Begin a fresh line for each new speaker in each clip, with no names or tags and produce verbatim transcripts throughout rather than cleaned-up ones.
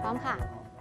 ร้อมค่ะ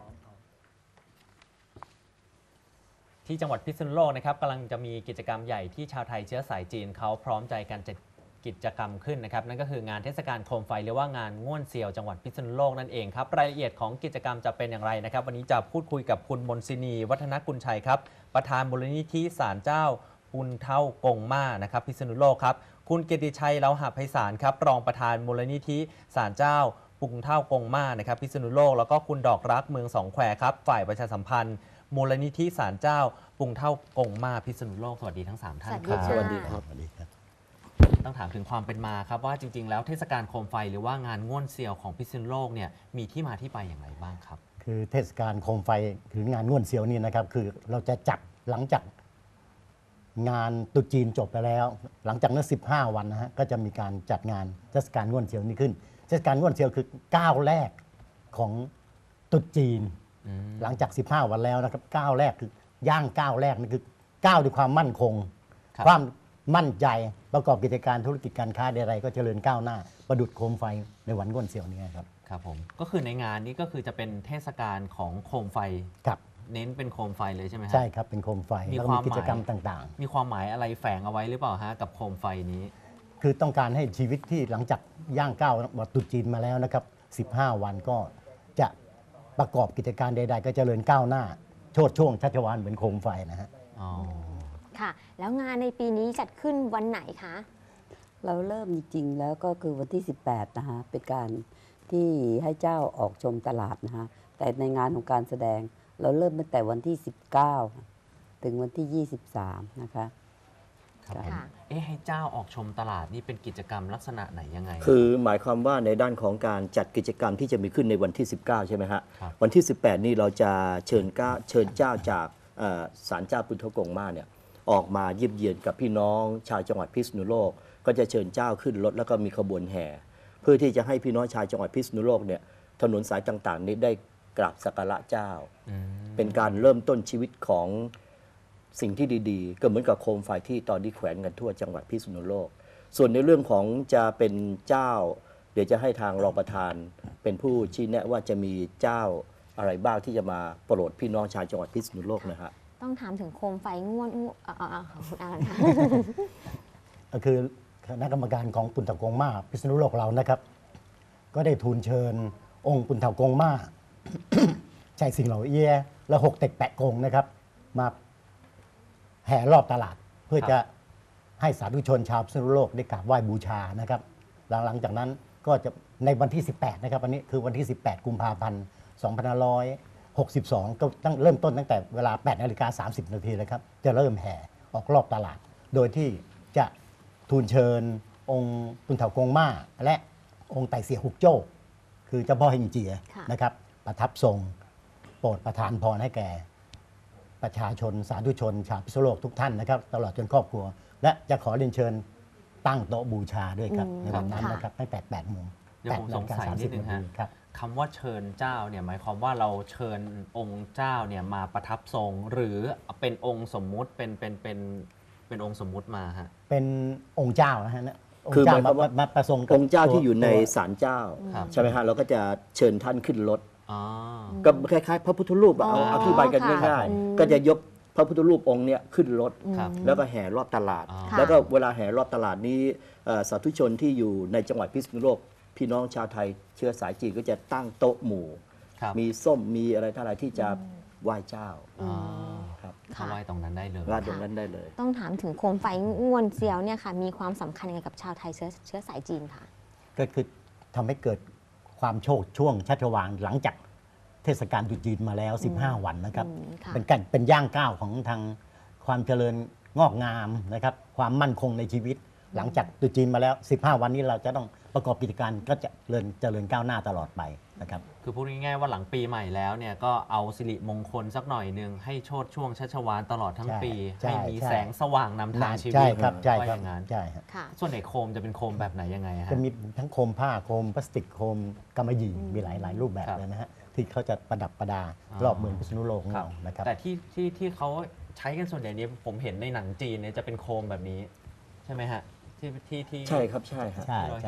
ที่จังหวัดพิษณุโลกนะครับกำลังจะมีกิจกรรมใหญ่ที่ชาวไทยเชื้อสายจีนเขาพร้อมใจกันจัดกิจกรรมขึ้นนะครับนั่นก็คืองานเทศกาลโคมไฟหรือว่างานง่วนเซียวจังหวัดพิษณุโลกนั่นเองครับรายละเอียดของกิจกรรมจะเป็นอย่างไรนะครับวันนี้จะพูดคุยกับคุณมนศินีวัฒนกุลชัยครับประธานมูลนิธิศาลเจ้าปุนเท่ากงม่านะครับพิษณุโลกครับคุณเกียรติชัยเลาหะไพศาลครับรองประธานมูลนิธิศาลเจ้าปุงเท่ากงม่านะครับพิษณุโลกแล้วก็คุณดอกรักเมืองสองแควครับฝ่ายประชาสัมพันธ์มูลนิธิศาลเจ้าปุงเท่ากงม่าพิษณุโลกสวัสดีทั้งสามท่านครับ
สวัสดี
ครับสวัสดีครับ
ต้องถามถึงความเป็นมาครับว่าจริงๆแล้วเทศกาลโคมไฟหรือว่างานง่วนเซียวของพิษณุโลกเนี่ยมีที่มาที่ไปอย่างไรบ้างครับ
คือเทศกาลโคมไฟหรืองานง่วนเซียวนี่นะครับคือเราจะจัดหลังจากงานตรุษจีนจบไปแล้วหลังจากนั้นสิบห้าวันนะฮะก็จะมีการจัดงานเทศกาลง่วนเซียวนี้ขึ้นเทศกาลง่วนเซียวคือก้าวแรกของตรุษจีนหลังจากสิบห้าวันแล้วนะครับก้าวแรกคือย่างก้าวแรกนี่คือก้าวด้วยความมั่นคงความมั่นใจประกอบกิจการธุรกิจการค้าใดๆก็เจริญก้าวหน้าประดุจโคมไฟในวันง่วนเซียวนี้ครับ
ครับผมก็คือในงานนี้ก็คือจะเป็นเทศกาลของโคมไฟ
ครับ
เน้นเป็นโคมไฟเลยใช่ไหม
ใช่ครับเป็นโคมไฟแล้วก็มีกิจกรรมต่าง
ๆมีความหมายอะไรแฝงเอาไว้หรือเปล่าฮะกับโคมไฟนี้
คือต้องการให้ชีวิตที่หลังจากย่างก้าววันตรุษจีนมาแล้วนะครับสิบห้าวันก็จะประกอบกิจการใดๆก็เจริญก้าวหน้าโชติช่วงชัชวาลเหมือนโคมไฟนะฮะ
อ๋อ
ค่ะแล้วงานในปีนี้จัดขึ้นวันไหนคะ
เราเริ่มจริงๆแล้วก็คือวันที่สิบแปดนะคะเป็นการที่ให้เจ้าออกชมตลาดนะคะแต่ในงานของการแสดงเราเริ่มตั้งแต่วันที่สิบเก้าถึงวันที่ยี่สิบสามนะคะ
ครับเอ๊ะให้เจ้าออกชมตลาดนี่เป็นกิจกรรมลักษณะไหนยังไง
คือหมายความว่าในด้านของการจัดกิจกรรมที่จะมีขึ้นในวันที่สิบเก้าใช่ไหมฮะวันที่สิบแปดนี่เราจะเชิญก้าเชิญเจ้าจากศาลเจ้าปุณเท่ากงม่าเนี่ยออกมาเยี่ยมเยียนกับพี่น้องชาวจังหวัดพิษณุโลกก็จะเชิญเจ้าขึ้นรถแล้วก็มีขบวนแห่เพื่อที่จะให้พี่น้องชาวจังหวัดพิษณุโลกเนี่ยถนนสายต่างๆนี้ได้กราบสักการะเจ้าเป็นการเริ่มต้นชีวิตของสิ่งที่ดีๆก็เหมือนกับโคมไฟที่ตอนนี้แขวนกันทั่วจังหวัดพิษณุโลกส่วนในเรื่องของจะเป็นเจ้าเดี๋ยวจะให้ทางรองประธานเป็นผู้ชี้แนะว่าจะมีเจ้าอะไรบ้างที่จะมาโปรดพี่น้องชาวจังหวัดพิษณุโลกนะฮะ
ต้องถามถึงโคมไฟง่วนของคุณอาค่ะ
ก็คือคณะกรรมการของปุณเท่ากงม่าพิษณุโลกเรานะครับก็ได้ทูลเชิญองค์ปุณเท่ากงม่าใจสิงเหล่าเอียและหกเต็กแปะกงนะครับมาแห่รอบตลาดเพื่อจะให้สาธุชนชาวพิษณุโลกได้กราบไหว้บูชานะครับหลังจากนั้นก็จะในวันที่สิบแปดนะครับวันนี้คือวันที่สิบแปดกุมภาพันธ์สองพันห้าร้อยหกสิบสองก็ตั้งเริ่มต้นตั้งแต่เวลาแปดนาฬิกาสามสิบนาทีเลยครับจะเริ่มแห่ออกรอบตลาดโดยที่จะทูลเชิญองค์ปุณเท่ากงม่าและองค์ไต่เสียหุกโจ้คือเจ้าพ่อเฮงเจียนะครับประทับทรงโปรดประทานพรให้แก่ประชาชนสาธุชนชาวพิษณุโลกทุกท่านนะครับตลอดจนครอบครัวและจะขอเรียนเชิญตั้งโต๊ะบูชาด้วยครับในวันนั้นนะครับตั้งแต่แปดโมง
เดี๋ยวผมสงสัยนิดนึงฮะคำว่าเชิญเจ้าเนี่ยหมายความว่าเราเชิญองค์เจ้าเนี่ยมาประทับทรงหรือเป็นองค์สมมุติเป็นเป็นเป็นเป็นองค์สมมุติมาฮะ
เป็นองค์เจ้านะฮะ
คือหมายความ
ว่ามาประสงค์
องค์เจ้าที่อยู่ในศาลเจ้าใช่ไหมฮะเราก็จะเชิญท่านขึ้นรถก็คล้ายๆพระพุทธรูปเอาอธิบายกันง่ายๆก็จะยกพระพุทธรูปองค์เนี้ยขึ้นรถแล้วก็แห่รอบตลาดแล้วก็เวลาแห่รอบตลาดนี้สาธุชนที่อยู่ในจังหวัดพิษณุโลกพี่น้องชาวไทยเชื้อสายจีนก็จะตั้งโต๊ะหมู่มีส้มมีอะไรทั้งหลายที่จะไหว้เจ้า
ครับเข้าไหว้ตรงนั้นได้เลย
ไหว้ตรงนั้นได้เลย
ต้องถามถึงโคมไฟง่วนเซียวเนี่ยค่ะมีความสำคัญยังไงกับชาวไทยเชื้อเชื้อสายจีนค่ะ
ก็คือทำให้เกิดความโชคช่วงชัชวาลหลังจากเทศกาลตรุษจีนมาแล้วสิบห้าวันนะครับเป็นการเป็นย่างก้าวของทางความเจริญงอกงามนะครับความมั่นคงในชีวิตหลังจากตรุษจีนมาแล้วสิบห้าวันนี้เราจะต้องประกอบกิจการก็จะเจริญเจริญก้าวหน้าตลอดไปนะครับ
คือพูดง่ายๆว่าหลังปีใหม่แล้วเนี่ยก็เอาสิริมงคลสักหน่อยหนึ่งให้โชติช่วงชัชวาลตลอดทั้งปีให้มีแสงสว่างนำทางชีวิต
ใช่ครับใช่ครับ
อย่างนั้น
ใช่ครับ
ส่วนไหนโคมจะเป็นโคมแบบไหนยังไงฮะ
จะมีทั้งโคมผ้าโคมพลาสติกโคมกำมะหยี่มีหลายหลายรูปแบบเลยนะฮะที่เขาจะประดับประดารอบเมืองพิษณุโลกของเรานะครับ
แต่ที่ที่ที่เขาใช้กันส่วนใหญ่นี้ผมเห็นในหนังจีนเนี่ยจะเป็นโคมแบบนี้ใช่ไหมฮะที่ที่ที่
ใช่ครับใช่
ใช่ใช่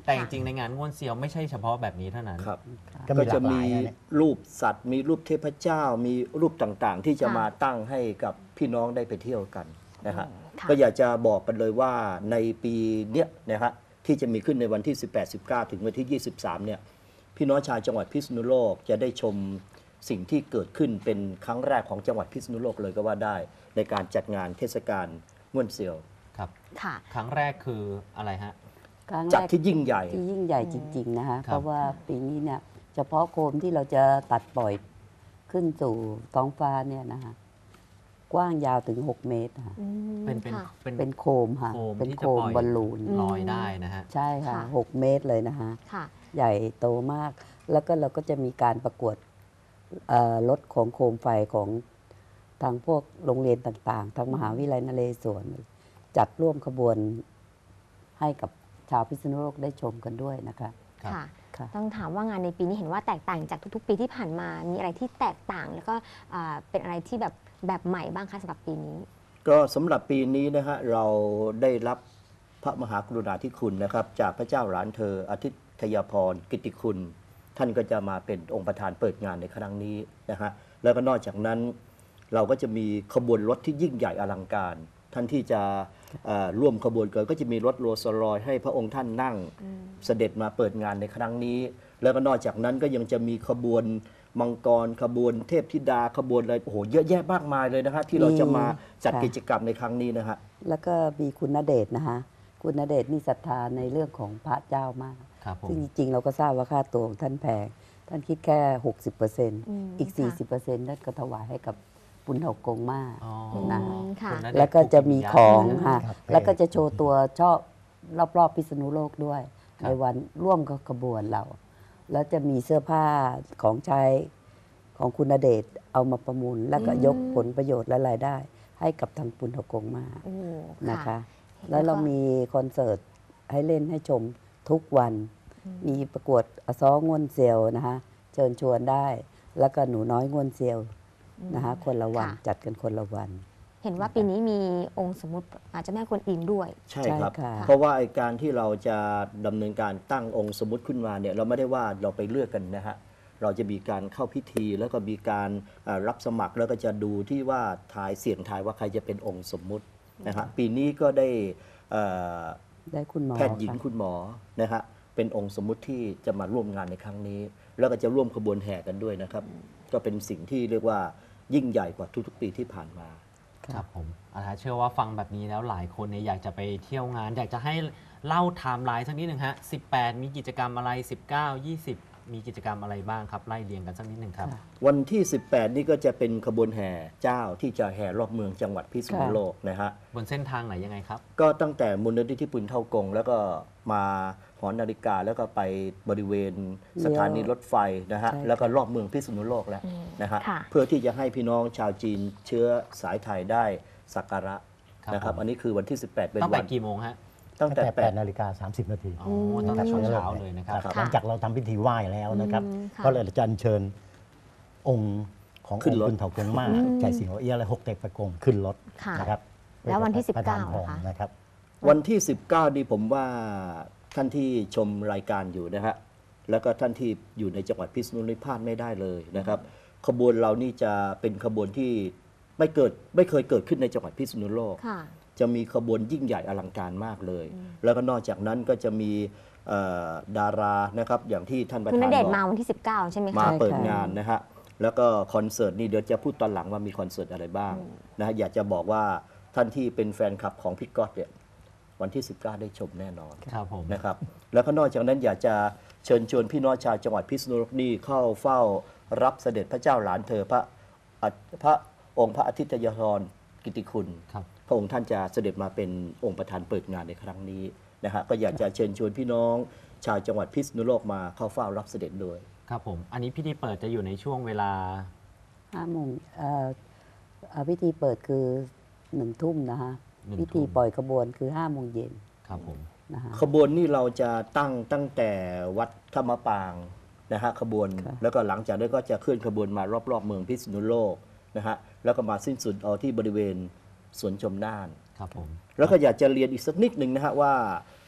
แต่จริงๆในงานง่วนเซียวไม่ใช่เฉพาะแบบนี้เท่านั้น
ครับ
ก็
ก็
มีห
จะ
ลากห
มี
ลายนะเนี่ย
รูปสัตว์ มีรูปเทพเจ้า มีรูปต่างๆ ที่จะ
ค่ะ
มาตั้งให้กับพี่น้องได้ไปเที่ยวกันนะฮะ
ค่ะ
ก็อยากจะบอกกันเลยว่าในปีเนี้ยนะฮะที่จะมีขึ้นในวันที่ สิบแปด สิบเก้า ถึงวันที่ ยี่สิบสาม เนี่ยพี่น้องชาวจังหวัดพิษณุโลกจะได้ชมสิ่งที่เกิดขึ้นเป็นครั้งแรกของจังหวัดพิษณุโลกเลยก็ว่าได้ ในการจัดงานเทศกาลง่วนเซียว
ครับ
ค่ะ
ครั้งแรกคืออะไรฮะ
ครั้ง
จัด
แรก
ที่ยิ่งใหญ่
ที่ยิ่งใหญ่จริง ๆ นะคะ
ครับ
เพราะว่าปีนี้เนี่ยเฉพาะโคมที่เราจะตัดปล่อยขึ้นสู่ท้องฟ้าเนี่ยนะคะกว้างยาวถึง หก เมตรค่ะ
อืม
เป็นเป็น
ค่ะ
เป็น
เป็นโคมค่ะ
โคม
เป็น
ที่
โค
จะ
ม
ปล่อย
บอลลูน
อืม
ลอยได้นะฮะ
ใช่ค่ะ
ค่ะ
หก เมตรเลยนะคะ
ค่ะ
ใหญ่โตมาก แล้วก็เราก็จะมีการประกวดเอ่อรถของโคมไฟของทางพวกโรงเรียนต่างๆ ทางมหาวิทยาลัยนเรศวรจัดร่วมขบวนให้กับชาวพิษณุโลกได้ชมกันด้วยนะคะ
ครับ
ค่ะ
ค่ะ
ต้องถามว่างานในปีนี้เห็นว่าแตกต่างจากทุกๆ ปีที่ผ่านมา มีอะไรที่แตกต่าง แล้วก็อ่าเป็นอะไรที่แบบแบบใหม่บ้างคะสำหรับปีนี้
ก็สำหรับปีนี้นะฮะเราได้รับพระมหากรุณาธิคุณนะครับ จากพระเจ้าหลานเธออาทิตยพรกิตติคุณ ท่านก็จะมาเป็นองค์ประธานเปิดงานในครั้งนี้นะฮะแล้วก็นอกจากนั้นเราก็จะมีขบวนรถที่ยิ่งใหญ่อลังการ ท่านที่จะเอ่อร่วมขบวนกันก็จะมีรถโรลส์รอยซ์ให้พระองค์ท่านนั่งเสด็จมาเปิดงานในครั้งนี้ แล้วก็นอกจากนั้นก็ยังจะมีขบวนมังกรขบวนเทพธิดาขบวนอะไรโอ้โหเยอะแยะมากมายเลยนะฮะที่เราจะมาจัด
ค่ะ
กิจกรรมในครั้งนี้นะฮะ
แล้วก็มีคุณณเดชน์นะคะคุณณเดชน์นี่ศรัทธาในเรื่องของพระเจ้ามาก
ครับผม
ซึ่งจริงๆ เราก็ทราบว่าค่าตัวของท่านแพง ท่านคิดแค่ หกสิบเปอร์เซ็นต์
อืม
อีก
ค่ะ
สี่สิบเปอร์เซ็นต์ นั่นก็ถวายให้กับปุณเถากงมา
อ๋อ
นะ
อืมค่ะ
ณณเดชน์
แล้วก็จะมีของ
ภูมิ
ค่ะ
ครับ
แล้วก็จะโชว์ตัวชอบรอบๆพิษณุโลกด้วย
ครับ
ในวันร่วมกับขบวนเรา แล้วจะมีเสื้อผ้าของใช้ของคุณณเดชน์เอามาประมูล แล้วก็ยกผลประโยชน์และรายได้ ให้กับทางปุณเถากงมา
โอ้
นะคะ
เห็น
แล้วเรา
ก็
มีคอนเสิร์ตให้เล่นให้ชมทุกวัน มีประกวดอซ้องง่วนเซียวนะคะเชิญชวนได้ แล้วก็หนูน้อยง่วนเซียวนะคะคนละวัน
ค่ะ
จัดกันคนละวัน
เห็นว่าปีนี้มีองค์สมมุติอาจจะแม่กวนอิมด้วย
ใช่ครับ
ใช่ค่ะ
เพราะว่าไอ้การที่เราจะดำเนินการตั้งองค์สมมติขึ้นมาเนี่ยเราไม่ได้ว่าเราไปเลือกกันนะฮะเราจะมีการเข้าพิธีแล้วก็มีการอ่ารับสมัครแล้วก็จะดูที่ว่าทายเสี่ยงทายว่าใครจะเป็นองค์สมมุตินะฮะปีนี้ก็ได้เอ่อ
ได้คุณหมอ
แพทย์หญิง
ค่ะ
คุณหมอนะฮะเป็นองค์สมมุติที่จะมาร่วมงานในครั้งนี้ แล้วก็จะร่วมขบวนแห่กันด้วยนะครับ ก็เป็นสิ่งที่เรียกว่ายิ่งใหญ่กว่าทุกๆ ปีที่ผ่านมา
ครับผมอาจารย์เชื่อว่าฟังแบบนี้แล้วหลายคนเนี่ยอยากจะไปเที่ยวงาน อยากจะให้เล่าไทม์ไลน์สักนิดหนึ่งฮะ สิบแปด มีกิจกรรมอะไร สิบเก้า ยี่สิบ มีกิจกรรมอะไรบ้างครับ ไล่เรียงกันสักนิดหนึ่งครับ
ค่ะ
วันที่ สิบแปด นี่ก็จะเป็นขบวนแห่เจ้าที่จะแห่รอบเมืองจังหวัดพิษณุโลกนะฮะ
บนเส้นทางไหนยังไงครับ
ก็ตั้งแต่มูลนิธิปุณเท่ากง แล้วก็มาหอนาฬิกาแล้วก็ไปบริเวณสถานีรถไฟนะฮะ
ใช่ค่ะ
แล้วก็รอบเมืองพิษณุโลกแล้ว
อืม
นะฮะ
ค่ะ
เพื่อที่จะให้พี่น้องชาวจีนเชื้อสายไทยได้สักการะ
ครับ
นะครับ
ผม
อันนี้คือวันที่ สิบแปด เป็น
ตั้ง
วั
แต่
น
กี่โมงฮะ
ตั้งแต่
แต่
แป
แป
ด
ดนาฬิกาสามสิบนาที
อ๋อตั้งแต่ช่วงเช้าเลยนะครับ
หลังจากเราทำพิธีไหว้แล้วนะครับ
อืมค่ะ
ก็เลยจะอัญเชิญองค์ของ
ขึ้
อง
น
ค์
รถ
คุณเถากงมา
อืม
ใจสิงห์เอี้ยและหกเต็กประกงขึ้นรถ
ค่ะ
นะครับ
แล้ววันที่
พื่อจะประทาน
สิบเก้า
พร
นะคะ
นะครับ
วันที่ สิบเก้า นี่ผมว่าท่านที่ชมรายการอยู่นะฮะแล้วก็ท่านที่อยู่ในจังหวัดพิษณุโลกพลาดไม่ได้เลยนะครับ ขบวนเรานี่จะเป็นขบวนที่ไม่เกิดไม่เคยเกิดขึ้นในจังหวัดพิษณุโลก
ค่ะ
จะมีขบวนยิ่งใหญ่อลังการมากเลย แล้วก็นอกจากนั้นก็จะมีเอ่อดารานะครับอย่างที่ท่านประ
คุณ
ธา
ณ
น
เดช
บอ
น์มาก วันที่ สิบเก้า ใช่ไหม
มา
คะ
เปิดงานนะฮะ แล้วก็คอนเสิร์ตนี่เดี๋ยวจะพูดตอนหลังว่ามีคอนเสิร์ตอะไรบ้างนะฮะ อยากจะบอกว่าท่านที่เป็นแฟนคลับของพี่ก๊อตเนี่ยวันที่ สิบเก้า ได้ชมแน่นอน
ครับผม
นะครับ แล้วก็นอกจากนั้นอยากจะเชิญชวนพี่น้องชาวจังหวัดพิษณุโลกนี่เข้าเฝ้ารับเสด็จพระเจ้าหลานเธอพระอ่ะพระองค์พระอาทิตยธรกิติคุณ
ครับ
พระองค์ท่านจะเสด็จมาเป็นองค์ประธานเปิดงานในครั้งนี้นะฮะ ก็อยากจะเชิญชวนพี่น้องชาวจังหวัดพิษณุโลกมาเข้าเฝ้ารับเสด็จด้วย
ครับผม อันนี้พิธีเปิดจะอยู่ในช่วงเวลา
ห้าโมงเอ่อเอ่อพิธีเปิดคือหนึ่งทุ่มนะคะ
หนึ่ง
พิ
ทุ่
ธี
ม
ปล่อยขบวนคือห้าโมงเย็น
ครับผม
นะคะ
ขบวนนี่เราจะตั้งตั้งแต่วัดธรรมปางนะฮะขบวน
ค่ะ
แล้วก็หลังจากนั้นก็จะเคลื่อนขบวนมารอบๆเมืองพิษณุโลกนะฮะแล้วก็มาสิ้นสุดเอาที่บริเวณสวนชมน่าน
ครับผม
แล้วก็อยากจะเรียนอีกสักนิดหนึ่งนะฮะว่า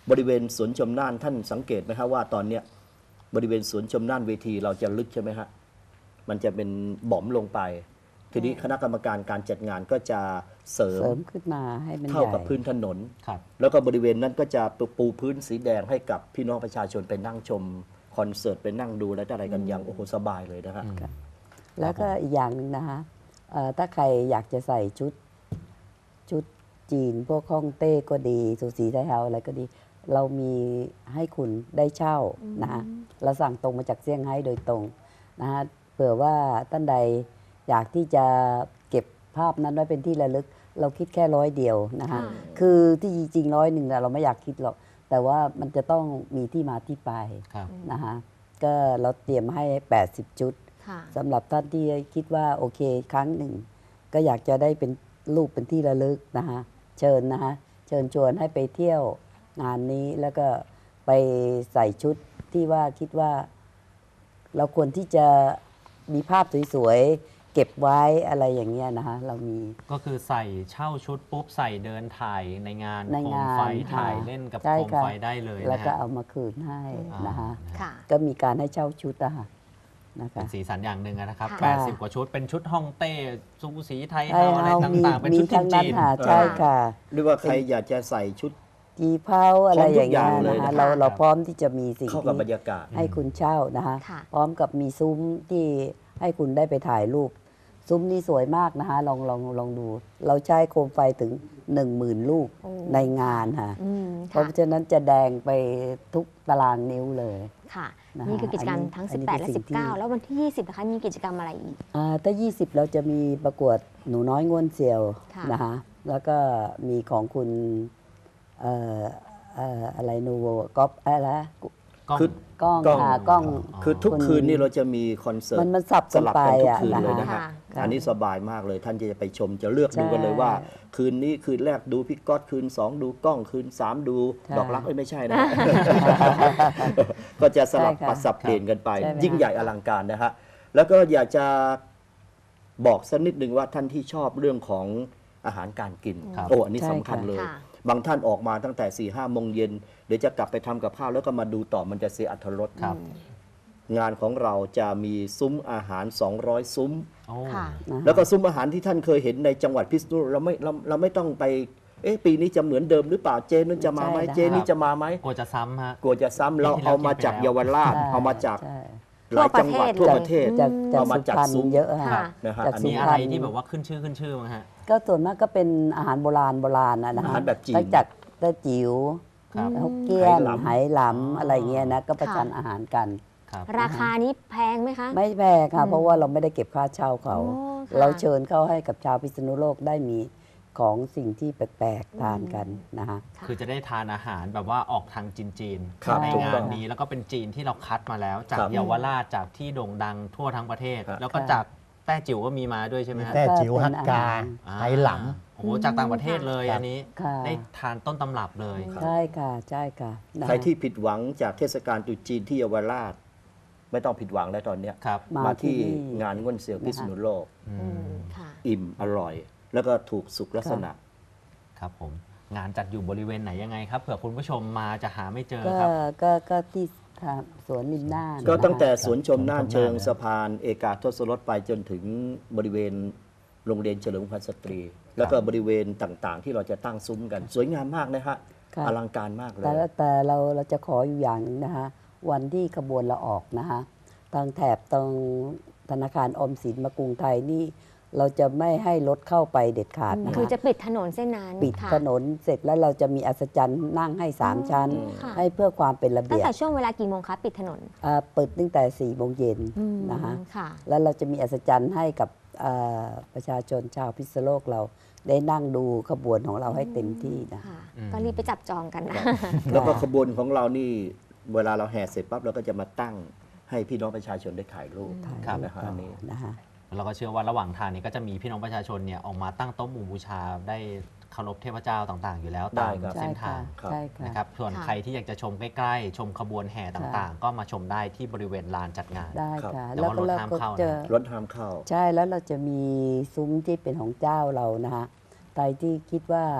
บริเวณสวนชมน่านท่านสังเกตไหมครับว่าตอนเนี้ยบริเวณสวนชมน่านเวทีเราจะลึกใช่ไหมฮะมันจะเป็นบ่อมลงไป ทีนี้คณะกรรมการการจัดงานก็จะเสริม
เสริมขึ้นมาให้มันให
เท่า
ญ่
กับพื้นถนน
ครับ
แล้วก็บริเวณนั้นก็จะปูพื้นสีแดงให้กับพี่น้องประชาชนไปนั่งชมคอนเสิร์ตไปนั่งดูและอะไรกันอย่างโอ้โหสบายเลยนะฮะ
แล้วก็อีกอย่างหนึ่งนะคะเอ่อถ้าใครอยากจะใส่ชุดชุดจีน พวกฮ่องเต้ก็ดีสูสีไทยเฮาอะไรก็ดี เรามีให้คุณได้เช่านะคะเราสั่งตรงมาจากเซี่ยงไฮ้โดยตรงนะคะเผื่อว่าท่านใดอยากที่จะเก็บภาพนั้นไว้เป็นที่ระลึก เราคิดแค่ร้อยเดียวนะคะ
ค่ะ
คือที่จริงร้อยหนึ่งเราไม่อยากคิดหรอก แต่ว่ามันจะต้องมีที่มาที่ไป
ครับ
นะคะก็เราเตรียมให้ แปดสิบ ชุด
ค่ะ
สำหรับท่านที่คิดว่าโอเคครั้งหนึ่ง ก็อยากจะได้เป็นรูปเป็นที่ระลึกนะคะเชิญนะคะเชิญชวนให้ไปเที่ยวงานนี้แล้วก็ไปใส่ชุดที่ว่าคิดว่า เราควรที่จะมีภาพสวยๆเก็บไว้อะไรอย่างเงี้ยนะคะเรามี
ก็คือใส่เช่าชุดปุ๊บใส่เดินถ่ายในงาน
ใน
โคม
งาน
ไฟ
ค่ะ
ถ่ายเล่นกับ
ใช่
โคม
ค่ะ
ไฟได้เลย
แล้ว
นะ
ก็
ฮะ
เอามาคืนให้
อ่า
นะคะ
ค่ะ
ก็มีการให้เช่าชุดอะค่ะนะ
เป็
คะ
นสีสันอย่างหนึ่งนะครับ
ค่ะ
แปดสิบ กว่าชุด เป็นชุดฮ่องเต้ซูสีไทย
ใช่
เฮาอะไร
เอามี
ต่างๆ เป็น
มี
ชุด
ทั้งนั้น
จีน
ค่ะ
ๆ
ใช่ค่ะ
หรือว่าใครอยากจะใส่ชุด
จีเผาอะไรอย่างเงี้ย
พร้อมทุกอย่างเลย
นะคะ
นะ
เรา
ค่ะ
เราพร้อมที่จะมีสิ่ง
เข้ากับ
ที่
บรรยากาศ
ให้คุณเช่านะคะ
ค่ะ
พร้อมกับมีซุ้มที่ให้คุณได้ไปถ่ายรูป ซุ้มนี่สวยมากนะคะลองลองลองดู เราใช้โคมไฟถึง หนึ่งหมื่น ลูก
โอ้
ในงานค่ะ
อืม
เพ
ค่ะ
ราะฉะนั้นจะแดงไปทุกตารางนิ้วเลย
ค่ะ
นะคะ
นี่คือกิจกรรม
อันนี้
ทั้ง
อันนี้
สิบแปด
เป็น
และ
สิ่งที่
สิบเก้า แล้ววันที่ ยี่สิบนะคะมีกิจกรรมอะไรอีก
อ่าถ้า ยี่สิบ เราจะมีประกวดหนูน้อยง่วนเซียว
ค่ะ
นะคะแล้วก็มีของคุณเอ่อเอ่ออะไรนูโวก๊อปอะไรนะ
กล้อง
คือ
กล้อง
กล้อง
ค่ะกล้อง
คือทุก
คุณ
คืนนี่เราจะมีคอนเสิร์ต
มันมันสับ
ส
กัน
ลับ
ไป
กันทุก
อ่ะ
คืน
นะ
เลย
คะ
นะฮะ
ค่ะ
อันนี้สบายมากเลย ท่านจะไปชมจะเลือก
ใช่
ดูกันเลยว่า คืนนี้คืนแรกดูพี่ก๊อตคืนสองดูกล้องคืนสามดู
ใช่
ดอกรักเอ้ยไม่ใช่นะ ก็จะสลับ
ใช่ค่ะ
ปัดสับเปลี่ยนกันไป
ใช่ไหมคะ
ยิ่งใหญ่อลังการนะฮะแล้วก็อยากจะบอกสักนิดหนึ่งว่าท่านที่ชอบเรื่องของอาหารการกิน
ครับ
โอ้อันนี้
ใช่
สำคัญ
ค่ะ
เลย
ค่ะ
บางท่านออกมาตั้งแต่4ี่ห้าโมงเย็นเดี๋ยวจะกลับไปทำกับข้าวแล้วก็มาดูต่อมันจะเสียอรรถรส
ครับ
งานของเราจะมีซุ้มอาหาร สองร้อย ซุ้ม
โอ้
ค่ะ
นะคะ
แล้วก็ซุ้มอาหารที่ท่านเคยเห็นในจังหวัดพิษณุโลกเราไม่เราเราไม่ต้องไป เอ๊ะปีนี้จะเหมือนเดิมหรือเปล่าเจนู้นจะมาไหม
ใช่นะคะ
เจนี้จะมาไหม
กลัวจะซ้ำฮะ
กลัวจะซ้ำเรา
ปีที่แล้ว
เอามาจาก
กินไปแล้ว
เยาวราช
ใช่
เอามาจาก
ใช่
หลายจังหวัด
ทั่
ทั่ว
ว
ป
ประ ระ
เท
เท
ศ
ศ
จากจาก
เอามา
สุ
จัด
พรรณ
ซุ้ม
เยอะ
ค่ะ
ค่ะ
นะฮะ
จาก
อัน
สุ
นี้
มี
พ
อะ
ร
ไร
รณ
ที่แบบว่าขึ้นชื่อขึ้นชื่อมั้งฮะ
ก็ส่วนมากก็เป็นอาหารโบราณโบราณนะนะ
อา
ฮะ
หารแบบจีน
ตั้งจากแต้จิ๋ว
ครับ
ฮกเกี้ยน
ไหหลำ
ไหหลำอะไรเงี้ยนะก็ประชัน
ค่ะ
อาหารกัน
ครับ
ราคานี้แพงไหมคะ
ไม่แพงค่ะ เพราะว่าเราไม่ได้เก็บค่าเช่าเขา
โอ้ค่ะ
เราเชิญเข้าให้กับชาวพิษณุโลกได้มีของสิ่งที่แปลกๆทานกันนะคะ
คือจะได้ทานอาหารแบบว่าออกทางจีนจีนๆ
ครับ
ใน
ถูก
งา
ต้อน ง
นี้แล้วก็เป็นจีนที่เราคัดมาแล้ว จาก
ครับ
เยาวราชจากที่โด่งดังทั่วทั้งประเทศ
ครับ
แล้วก็จากแต้จิ๋วก็มีมาด้วยใช่ไหมฮะ
แต่จิ๋วฮักกา
อ่
ไหหล
โอ้โหจากต่างประเทศเลย
ครับ
อันนี้
ค่ะ
ได้ทานต้นตำรับเลย
ใช่ค่ะใช่ค่ะนะ
ใครที่ผิดหวังจากเทศกาลตรุษจีนที่เยาวราช ไม่ต้องผิดหวังแล้วตอนเนี้ย
ครับ
มา
มาที่
ที่นี่
งานง่วนเซียวพิษณุโลก
อื
อื
ม
มค่ะ
อิ่มอร่อย แล้วก็ถูกสุขลักษณะ
ครับผมงานจัดอยู่บริเวณไหนยังไงครับเผื่อคุณผู้ชมมาจะหาไม่เจอ
ก็
ครับ
ก็ก็ที่ทางสวนริมน่าน
ก็ตั้งแต่
นะคะ
สวนชมน่าน
สวนชมน่าน
เชิงสะพานเอกาทศรสไปจนถึงบริเวณโรงเรียนเฉลิมพันธ์สตรี แล้วก็บริเวณต่างๆ ที่เราจะตั้งซุ้มกัน สวยงามมากนะฮะ
ค่ะ
อลังการมากเล
แต่
ย
แต่เราเราจะขออยู่อย่างหนึ่งนะคะวันที่ขบวนเราออกนะคะทางแถบตรงธนาคารออมสินมากรุงไทยนี่ เราจะไม่ให้รถเข้าไปเด็ดขาดนะ
คือ
คะ
จะปิดถนนเส้นนั้น
ปิด
ค่ะ
ถนนเสร็จแล้วเราจะมีอัศจรรย์นั่งให้สามชั้น
อ๋อค่ะ
ให้เพื่อความเป็นระ
ตั้ง
เบียบ
แต่ช่วงเวลากี่โมงคะปิดถนน
อ่าเปิดตั้งแต่สี่โมงเย็น
อืม
นะคะ
ค่ะ
แล้วเราจะมีอัศจรรย์ให้กับอ่าประชาชนชาวพิษณุโลกเราได้นั่งดูขบวนของเราให้เต็มที่นะ
ค่ะ
อืม
ก็รีบไปจับจองกันนะ
แล้วก็ขบวนของเรานี่เวลาเราแห่เสร็จปั๊บเราก็จะมาตั้งให้พี่น้องประชาชนได้ถ่ายรูป
ครับ
นะฮะอันนี้
นะคะ
เราก็เชื่อว่าระหว่างทางนี้ก็จะมีพี่น้องประชาชนเนี่ยออกมาตั้งโต๊ะหมู่บูชาได้เคารพเทพเจ้าต่างๆ อยู่แล้ว
ได้
ตาม
ครับ
เส้นทาง
ครับ
ใช่ค่ะ
นะครับส่วน
ค่ะ
ใครที่อยากจะชมใกล้ๆ ชมขบวนแห่ต่างๆ ก็มาชมได้ที่บริเวณลานจัดงาน
ได้
ครับ
ค่ะ
แต่
แล้ว
ว่า
ก็
รถ
เรา
ห้าม
ก็
เข้านะ
จะ
รถห้ามเข้า
ใช่แล้วเราจะมีซุ้มที่เป็นของเจ้าเรานะคะใครที่คิดว่า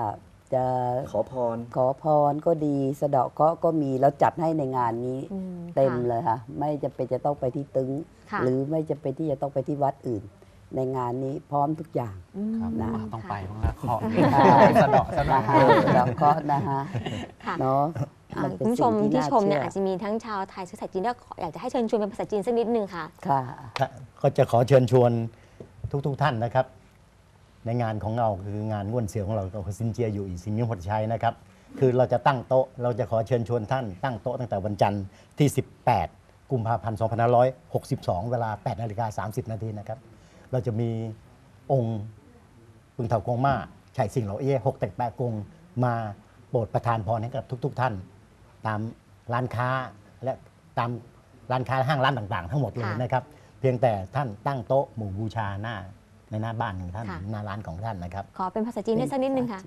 จะ
ขอพร
ขอพรก็ดีสะเดาะเคราะห์ก็มีแล้วจัดให้ในงานนี้
อืม
เต็ม
ค่ะ
เลยค่ะ ไม่จะเป็นจะต้องไปที่ตึง
ค่ะ
หรือไม่จะเป็นที่จะต้องไปที่วัดอื่น ในงานนี้พร้อมทุกอย่าง
อืม
ครับ
นะ
อ่ะต้องไปบ้างละขอ
ค่ะ
สะเดาะสะเดาะ
นะคะสะเดาะเคราะห์นะคะ
ค่ะ
เนาะ
อ่า
มันเป็
คุ
น
ณผู้ชม
สิ่ง
ที่ชมเนี่ย
า
อาจจะมีทั้งชาวไทยเชื้อสายจีนด้วยอยากจะให้เชิญชวนเป็นภาษาจีนสักนิดนึงค่ะ
ค่ะ
ค่ะก็จะขอเชิญชวนทุกๆทท่านนะครับ ในงานของเราคืองานง่วนเสียวของเราก็คือซินเจียอยู่อีสินมิงหดชัยนะครับ คือเราจะตั้งโต๊ะเราจะขอเชิญชวนท่านตั้งโต๊ะตั้งแต่วันจันทร์ที่ สิบแปด กุมภาพันธ์ สองพันห้าร้อยหกสิบสอง เวลา แปดนาฬิกาสามสิบนาทีนะครับ เราจะมีองค์ปึงเถากงมาไฉสิงเหลาเอ้หกแตกแปะกงมาโปรดประทานพรให้กับทุก ๆ ท่าน ตามร้านค้าและตามร้านค้าห้างร้านต่างๆ ทั้งหมดเลย
ค่ะ
นะครับ เพียงแต่ท่านตั้งโต๊ะหมู่บูชาหน้าในหน้าบ้านของท่าน
ค่ะ
หน้าร้านของท่านนะครับ
ขอเป็นภาษาจีนได้สักนิดนึงค่ะ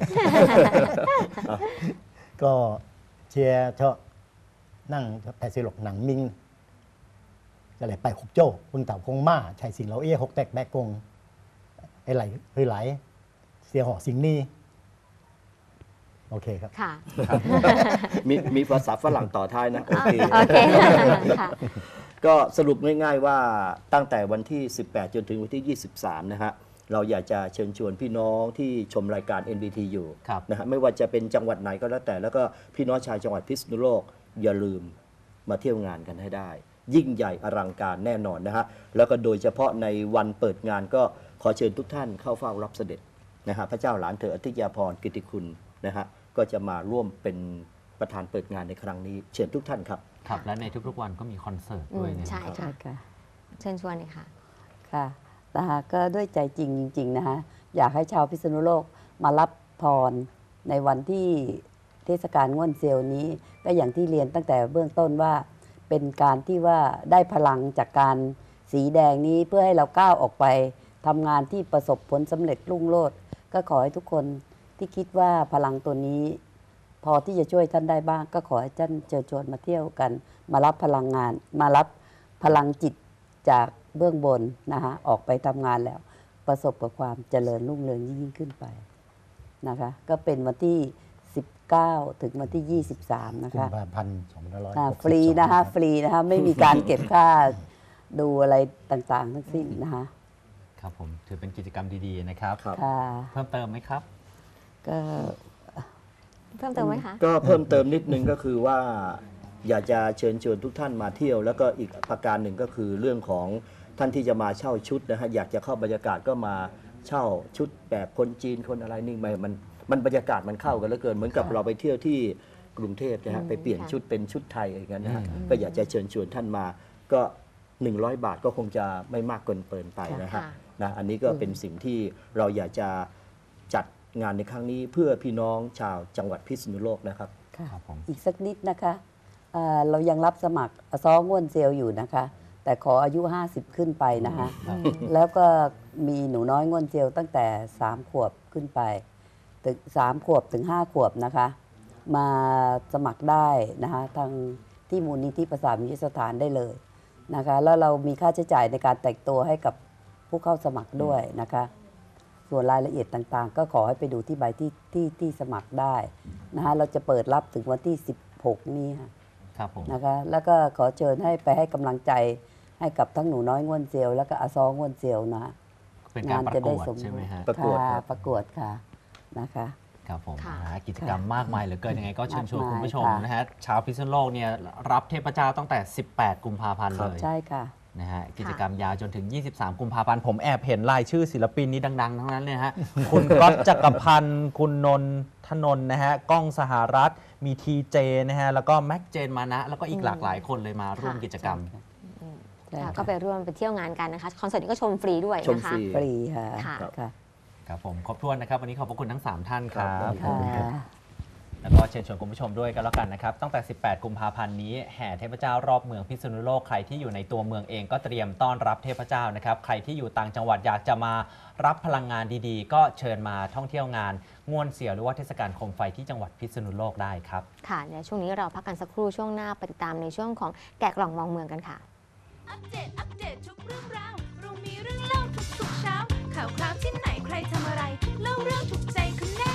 ก็เชียร์เชาะนั่งแต่สิหลกหนังมิงจะไหลไปคุกโจ้ปึงเต่าคงมาไฉสิงเหลาเอ้หกแตกแบกกงไอ้ไหลเฮ้ยไหล เสียหอสิงนี่โอเคครับ
ค่ะ
มีมีภาษาฝรั่งต่อท้ายนะ โอเค
โอเคค่ะ
ก็สรุปง่ายๆว่าตั้งแต่วันที่ สิบแปด จนถึงวันที่ ยี่สิบสาม นะฮะ เราอยากจะเชิญชวนพี่น้องที่ชมรายการ เอ็น บี ที อยู่
ครับ
นะฮะไม่ว่าจะเป็นจังหวัดไหนก็แล้วแต่ แล้วก็พี่น้องชาวจังหวัดพิษณุโลกอย่าลืมมาเที่ยวงานกันให้ได้ ยิ่งใหญ่อลังการแน่นอนนะฮะ แล้วก็โดยเฉพาะในวันเปิดงานก็ขอเชิญทุกท่านเข้าเฝ้ารับเสด็จนะฮะพระเจ้าหลานเธออธิยาภรณ์กิติคุณนะฮะก็จะมาร่วมเป็นประธานเปิดงานในครั้งนี้เชิญทุกท่านครับ
ครับ และในทุกๆวันก็มีคอนเสิร์ตด้วย
อืม
นะ
ใช่
ครับ
ใช่ค่ะ
เชิญชวนเลยค่ะ
ค่ะนะคะก็ด้วยใจจริงจริงๆนะคะอยากให้ชาวพิษณุโลกมารับพรในวันที่เทศกาลง่วนเซียวนี้ก็อย่างที่เรียนตั้งแต่เบื้องต้นว่าเป็นการที่ว่าได้พลังจากการสีแดงนี้เพื่อให้เราก้าวออกไปทำงานที่ประสบผลสำเร็จรุ่งโรจน์ก็ขอให้ทุกคนที่คิดว่าพลังตัวนี้ พอที่จะช่วยท่านได้บ้าง ก็ขอให้ท่านเชิญชวนมาเที่ยวกัน มารับพลังงาน มารับพลังจิตจากเบื้องบนนะคะออกไปทำงานแล้ว ประสบกับความเจริญรุ่งเรืองยิ่งขึ้นไปนะคะก็เป็นวันที่ สิบเก้า ถึงวันที่ ยี่สิบสาม นะ
กุม
คะ
ภาพันธ์สองพันห้าร้อยห
อ่าก
สิบสอง
ฟรีนะคะ
รับ
ฟรีนะคะไม่มีการเก็บค่าดูอะไรต่างๆ ทั้งสิ้นนะคะ
ครับผมถือเป็นกิจกรรมดีๆนะครับ
ครับ
ค่ะ
เพิ่มเติมไหมครับ
ก็
เพิ่มเติมไหมคะ
ก็เพิ่มเติมนิดนึงก็คือว่าอยากจะเชิญชวนทุกท่านมาเที่ยว แล้วก็อีกประการหนึ่งก็คือเรื่องของท่านที่จะมาเช่าชุดนะฮะอยากจะเข้าบรรยากาศก็มาเช่าชุดแบบคนจีนคนอะไรนี่มันมันมันบรรยากาศมันเข้ากันเหลือเกินเหมือนกับเราไปเที่ยวที่กรุงเทพนะฮะ
อืม
ไปเปลี่ยน
ค่ะ
ชุดเป็นชุดไทยอะไรอย่างนั้นนะฮะ
อืม
ก็อยากจะเชิญชวนท่านมาก็ หนึ่งร้อย บาทก็คงจะไม่มากเกินเปินไปนะฮะ
ค่ะ
นะอันนี้ก็เป็นสิ่งที่เราอยากจะจัดงานในครั้งนี้เพื่อพี่น้องชาวจังหวัดพิษณุโลกนะครับ
ค่ะ
ครับผม
อีกสักนิดนะคะเอ่อเรายังรับสมัครซ้อง่วนเซลอยู่นะคะ แต่ขออายุ ห้าสิบ ขึ้นไปนะคะ
ครับ
แล้วก็มีหนูน้อยง่วนเซลตั้งแต่ สาม ขวบขึ้นไปถึงสามขวบถึง ห้า ขวบนะคะ มาสมัครได้นะคะทางที่มูลนิธิประสานมิตรสถานได้เลยนะคะ แล้วเรามีค่าใช้จ่ายในการแต่งตัวให้กับผู้เข้าสมัครด้วยนะคะ ส่วนรายละเอียดต่างๆ ก็ขอให้ไปดูที่ใบที่ที่ที่สมัครได้นะคะเราจะเปิดรับถึงวันที่ สิบหก นี้ค่ะ
ครับผม
นะคะแล้วก็ขอเชิญให้ไปให้กำลังใจให้กับทั้งหนูน้อยง่วนเซียวแล้วก็อาซองง่วนเซียวนะ
เป็นการประกวดใช่ไหมฮะ
ประกวด
ค่ะ
ครับ
ประกวดค่ะนะคะ
ครับผม
ค่ะ
นะฮะกิจกรรมมากมายเหลือเกินยังไงก็เชิญชวน
มากมาย
คุณผู้ชม
ค่ะ
นะฮะชาวพิษณุโลกเนี่ยรับเทพเจ้าตั้งแต่ สิบแปด กุมภาพันธ์
ครั
เล
บ
ย
ใช่ค่ะ
นะฮะกิจกรรมยาวจนถึง ยี่สิบสาม กุมภาพันธ์ผมแอบเห็นรายชื่อศิลปินนี้ดัง ๆ ทั้งนั้นเลยนะฮะ คุณก๊อตจักรพันธ์คุณนนทนนท์นะฮะก้องสหรัฐมีทีเจนะฮะแล้วก็แม็กเจนมานะ แล้วก็อีกหลากหลายคนเลยมาร่วมกิจกรรม
ใช่
ค่ะ
ค่ะ
ก็ไปร่วมไปเที่ยวงานกันนะคะ คอนเสิร์ตนี้ก็ชมฟรีด้วย
ชม
นะคะ
ฟรี
ฟรีค่ะ
ค่ะ
ค่ะ
ครับผมครบถ้วนนะครับ วันนี้ขอบพระคุณทั้ง สาม ท่านครั
ครับ บ
ค่ะ
แล้วก็เชิญชวนคุณผู้ชมด้วยกันแล้วกันนะครับ ตั้งแต่ สิบแปด กุมภาพันธ์นี้แห่เทพเจ้ารอบเมืองพิษณุโลกใครที่อยู่ในตัวเมืองเองก็เตรียมต้อนรับเทพเจ้านะครับ ใครที่อยู่ต่างจังหวัดอยากจะมารับพลังงานดีๆ ก็เชิญมาท่องเที่ยวงานง่วนเสียวหรือว่าเทศกาลโคมไฟที่จังหวัดพิษณุโลกได้ครับ
ค่ะเดี๋ยวช่วงนี้เราพักกันสักครู่ช่วงหน้าไปติดตามในช่วงของแกะกล่องมองเมืองกันค่ะ
อัปเดต อัปเดตทุกเรื่องราว เรามีเรื่องเล่าทุกๆเช้า ข่าวคราวที่ไหนใครทำอะไร เล่าเรื่องถูกใจคุณแน่